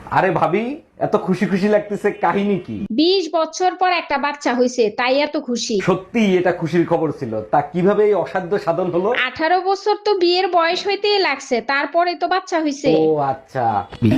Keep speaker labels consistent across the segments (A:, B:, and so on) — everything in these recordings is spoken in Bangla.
A: আরে ভাবি, এত খুশি খুশি লাগতেছে, কাহিনী কি?
B: 20 বছর পর একটা বাচ্চা হইছে, তাই এত খুশি।
A: সত্যি এটা খুশির খবর ছিল। তা কিভাবে এই অসাধ্য সাধন হলো?
B: 18 বছর তো বিয়ের বয়স হইতেই লাগছে, তারপরে তো বাচ্চা হইছে।
A: ও আচ্ছা।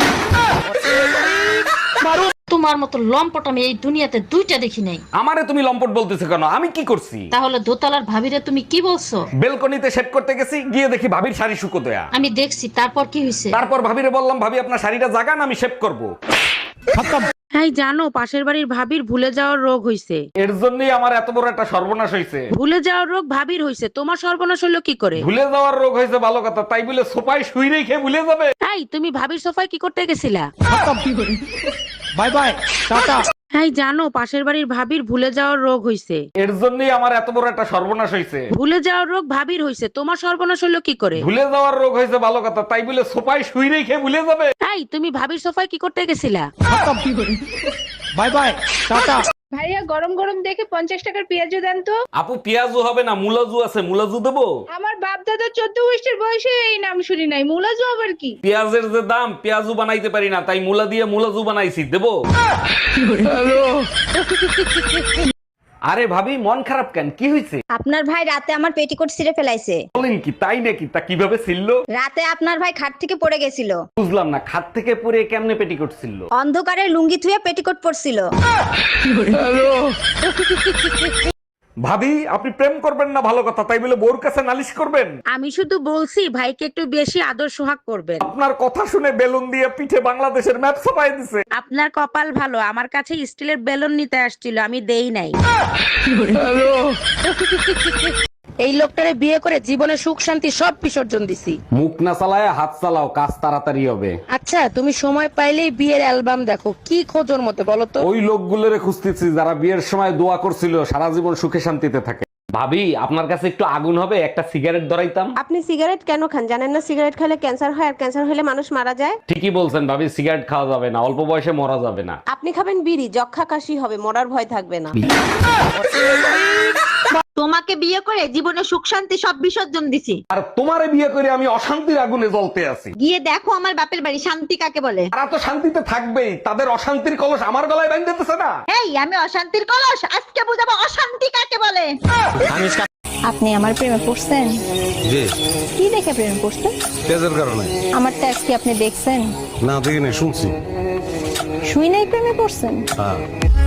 C: তোমার মতো লম্পট আমি এই দুনিয়াতে দুইটা দেখি নাই।
A: আমারে তুমি লম্পট বলতেছো কেন? আমি কি করছি?
C: তাহলে দোতলার ভাবিরে তুমি কি বলছো?
A: বেলকনিতে সেট করতে গেছি, গিয়ে দেখি ভাবির শাড়ি শুকো দেয়া।
C: আমি দেখছি, তারপর কি হয়েছে?
A: তারপর ভাবিরে বললাম, ভাবি আপনার শাড়িটা জাগান, আমি শেভ করব।
D: হ্যাঁ জানো, পাশের বাড়ির ভাবির ভুলে যাওয়ার রোগ হইছে।
A: এর জন্যই আমার এত বড় একটা সর্বনাশ হয়েছে।
D: ভুলে যাওয়ার রোগ ভাবির হইছে, তোমার সর্বনাশ হলো কি করে?
A: ভুলে যাওয়ার রোগ হয়েছে ভালো কথা, তাই বলে সোফায় শুই রেখে ভুলে যাবে?
D: এই তুমি ভাবির সোফায় কি করতে গেছিলা?
A: Bye bye, tata.
D: হ্যাঁ জানো, পাশের বাড়ির ভাবির ভুলে যাওয়ার রোগ হইছে।
A: এর জন্যই আমার এত বড় একটা সর্বনাশ হয়েছে।
D: ভুলে যাওয়ার রোগ ভাবির হইছে, তোমার সর্বনাশ হলো কি করে?
A: ভুলে যাওয়ার রোগ হয়েছে ভালো কথা, তাই বলে সোফায় শুই রেখে ভুলে যাবে?
D: এই তুমি ভাবির সোফায় কি করতে গেছিলা?
A: Bye bye, tata.
B: ভাইয়া, গরম গরম দেখে 50 টাকার পেঁয়াজু দেন তো।
A: আপু পেঁয়াজু হবে না, মুলাজু আছে, মুলাজু দেবো?
B: আমার বাপ দাদা 14 বছর বয়সে এই নাম শুনি নাই, মুলাজু আবার কি?
A: পেঁয়াজের যে দাম, পেঁয়াজু বানাইতে পারি না, তাই মুলা দিয়ে মুলাজু বানাইছি, দেবো? আরে ভাবি, মন খারাপ কেন? কি হয়েছে?
E: আপনার ভাই রাতে আমার পেটিকোট ছিঁড়ে ফেলাইছে।
A: বলেন কি, তাই নাকি? তা কিভাবে ছিল?
E: রাতে আপনার ভাই খাট থেকে পড়ে গেছিল,
A: বুঝলাম না, খাট থেকে পরে কেমনে পেটিকোট ছিল?
E: অন্ধকারে লুঙ্গি থুয়ে পেটিকোট পরছিল।
A: ভাবি, আপনি প্রেম করবেন না ভালো কথা, তাই বলে বোর কাছে নালিশ করবেন?
D: আমি শুধু বলছি ভাইকে একটু বেশি আদর সোহাগ করবেন।
A: আপনার কথা শুনে বেলুন দিয়ে পিঠে বাংলাদেশের ম্যাপ ছাপাই দিছে।
D: আপনার কপাল ভালো, আমার কাছে স্টিলের বেলুন নিতে আসছিল, আমি দেই নাই। এই লোকটারে বিয়ে করে জীবনে সুখ শান্তি সব বিসর্জন দিছি।
A: মুখ না চালায় হাত চালাও, কাজ তাড়াতাড়ি হবে।
D: আচ্ছা, তুমি সময় পাইলেই বিয়ের অ্যালবাম দেখো, কি খোঁজোর মতো বলো তো?
A: ওই লোকগুলোরে খুঁজতেছি যারা বিয়ের সময় দোয়া করছিল সারা জীবন সুখে শান্তিতে থাকে। ভাবি, আপনার কাছে একটু আগুন হবে? একটা সিগারেট ধরাইতাম।
E: আপনি সিগারেট কেন খান জানেন না? সিগারেট খেলে ক্যান্সার হয়, আর ক্যান্সার হলে মানুষ মারা যায়।
A: ঠিকই বলছেন ভাবি, সিগারেট খাওয়া যাবে না, অল্প বয়সে মরা যাবে না।
E: আপনি খাবেন বিড়ি, যক্ষা কাশি হবে, মরার ভয় থাকবে না।
F: তোমাকে বিয়ে করে জীবনে সুখ শান্তি সব বিসর্জন দিছি।
A: আর তোমারে বিয়ে করে আমি অশান্তির আগুনে জ্বলতে আছি।
F: গিয়ে দেখো আমার বাপের বাড়ি শান্তি কাকে বলে।
A: তারা তো শান্তিতে থাকবেই, তাদের অশান্তির কলস আমার গলায় বাঁধতেছে না।
F: এই আমি অশান্তির কলস, আজকে বুঝাবো অশান্তি কাকে বলে।
E: আপনি আমার প্রেমে পড়ছেন?
G: জি।
E: কি দেখে প্রেমে পড়ছেন?
G: তেজের কারণে।
E: আমার ট্যাক্স কি আপনি দেখছেন?
G: না দেখি নাই, শুনছি।
E: শুই নাই প্রেমে পড়ছেন?
G: হ্যাঁ।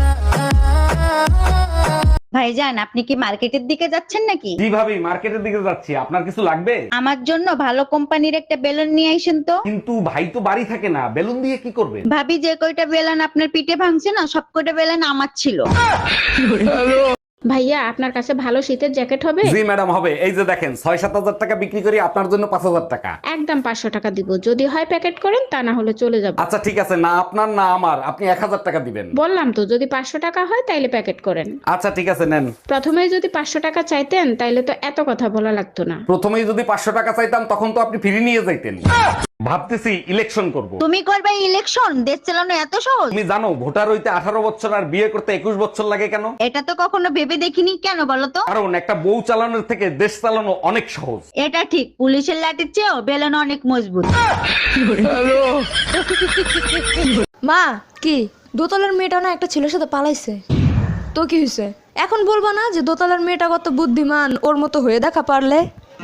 F: ভাইজান, আপনি কি মার্কেটের দিকে যাচ্ছেন নাকি?
A: জি ভাবি, মার্কেটের দিকে যাচ্ছি। আপনার কিছু লাগবে?
F: আমার জন্য ভালো কোম্পানির একটা বেলুন নিয়ে আইসেন তো।
A: কিন্তু ভাই তো বাড়ি থাকে না, বেলুন দিয়ে কি করবেন?
F: ভাবি, যে কয়টা বেলুন আপনার পিঠে ভাঙছে না, সব কয়টা বেলুন আমার ছিল।
B: ভাইয়া, আপনার কাছে ভালো শীতের জ্যাকেট হবে?
A: জি ম্যাডাম, হবে। এই যে দেখেন, 6-7 হাজার টাকা বিক্রি করি, আপনার জন্য 5,000 টাকা।
B: একদম 500 টাকা দিব, যদি হয় প্যাকেট করেন, তা না হলে চলে যাব।
A: আচ্ছা ঠিক আছে, না আপনার না আমার, আপনি 1,000 টাকা দিবেন।
B: বললাম তো, যদি 500 টাকা হয় তাইলে প্যাকেট করেন।
A: আচ্ছা ঠিক আছে, নেন।
B: প্রথমে যদি 500 টাকা চাইতেন তাইলে তো এত কথা বলা লাগতো না।
A: প্রথমেই যদি 500 টাকা চাইতাম, তখন তো আপনি ফিরে নিয়ে যাইতেন। ভাবতেছি ইলেকশন করব।
F: তুমি করবে ইলেকশন? দেশ চালানো এত সহজ?
A: তুমি জানো ভোটার হইতে 18 বছর আর বিয়ে করতে 21 বছর লাগে কেন?
F: এটা তো কখনো ভেবে দেখিনি। কেন বলো তো?
A: কারণ একটা বউ চালানোর থেকে দেশ চালানো অনেক সহজ।
F: এটা ঠিক, পুলিশের লাঠির চেয়েও বেলুন অনেক মজবুত।
H: মা, কি দোতলার মেয়েটা না একটা ছেলের সাথে পালাইছে? তো কি হয়েছে? এখন বলবো না যে দোতলার মেয়েটা কত বুদ্ধিমান, ওর মতো হয়ে দেখা পারলে?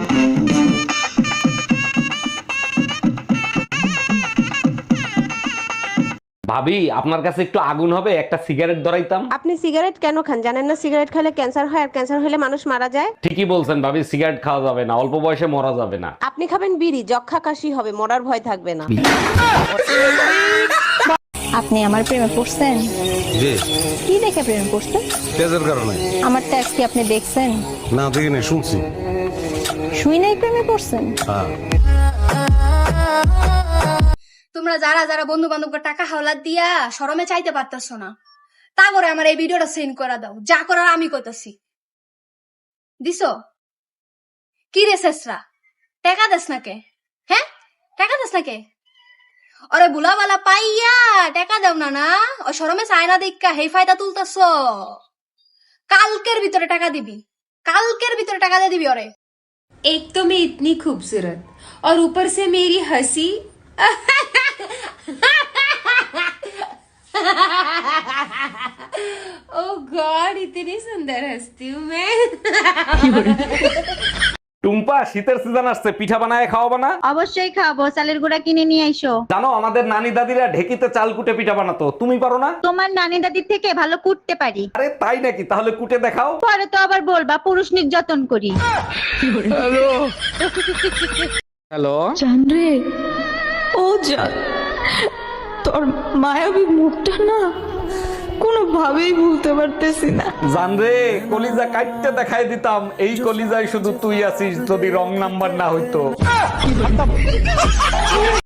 A: ভাবি, আপনার কাছে একটু আগুন হবে? একটা সিগারেট ধরাইতাম।
E: আপনি সিগারেট কেন খান জানেন না? সিগারেট খেলে ক্যান্সার হয়, আর ক্যান্সার হলে মানুষ মারা যায়।
A: ঠিকই বলছেন ভাবি, সিগারেট খাওয়া যাবে না, অল্প বয়সে মরা যাবে না।
E: আপনি খাবেন বিড়ি, যক্ষা কাশি হবে, মরার ভয় থাকবে না। আপনি আমার প্রেমে পড়ছেন?
G: জি।
E: কি দেখে প্রেমে পড়ছেন?
G: তেজের কারণে।
E: আমার ট্যাক্স কি আপনি দেখছেন?
G: না দেখি নাই, শুনছি।
E: শুই নাই প্রেমে পড়ছেন?
G: হ্যাঁ।
I: তোমরা যারা যারা বন্ধু বান্ধবকে টাকা হাওলাত দিয়া শরমে চাইতে পারতেছ না, তা করে আমার এই ভিডিওটা সেন্ড করে দাও। যা করার আমি কইতাছি। দিছো? কি রে শেষরা, টাকা দেস না কে? হ্যাঁ, টাকা দেস না কে? ওরে বুলাবালা পাইয়া টাকা দেও না না, ও শরমে চায় না দেখা হেই ফায়দা তুলতেছ। কালকের ভিতরে টাকা দিবি, কালকের ভিতরে টাকা দিয়ে দিবি ওরে।
J: एक तो मैं इतनी खूबसूरत और ऊपर से मेरी हंसी इतनी सुंदर हंसती हूँ मैं।
A: টুম্পা, শীতের সিজন আসছে, পিঠা বানায় খাওয়াবো না?
F: অবশ্যই খাবো, চালের গুঁড়া কিনে নিয়ে আইসো।
A: জানো আমাদের নানি দাদিরা ঢেকিতে চাল কুটে পিঠা বানাতো, তুমি পারো না?
F: তোমার নানি দাদির থেকে ভালো কুটতে পারি।
A: আরে তাই নাকি? তাহলে কুটে দেখাও।
F: পরে তো আবার বলবা পুরুষ নির্যাতন করি।
A: হ্যালো,
H: জানরে ও জান, তোর মায়াবী মুখটা না কোনোভাবেই ভুলতে পারতেছি না।
A: জানরে কলিজা কাটতে দেখাই দিতাম, এই কলিজায় শুধু তুই আছিস, যদি রং নাম্বার না হইতো।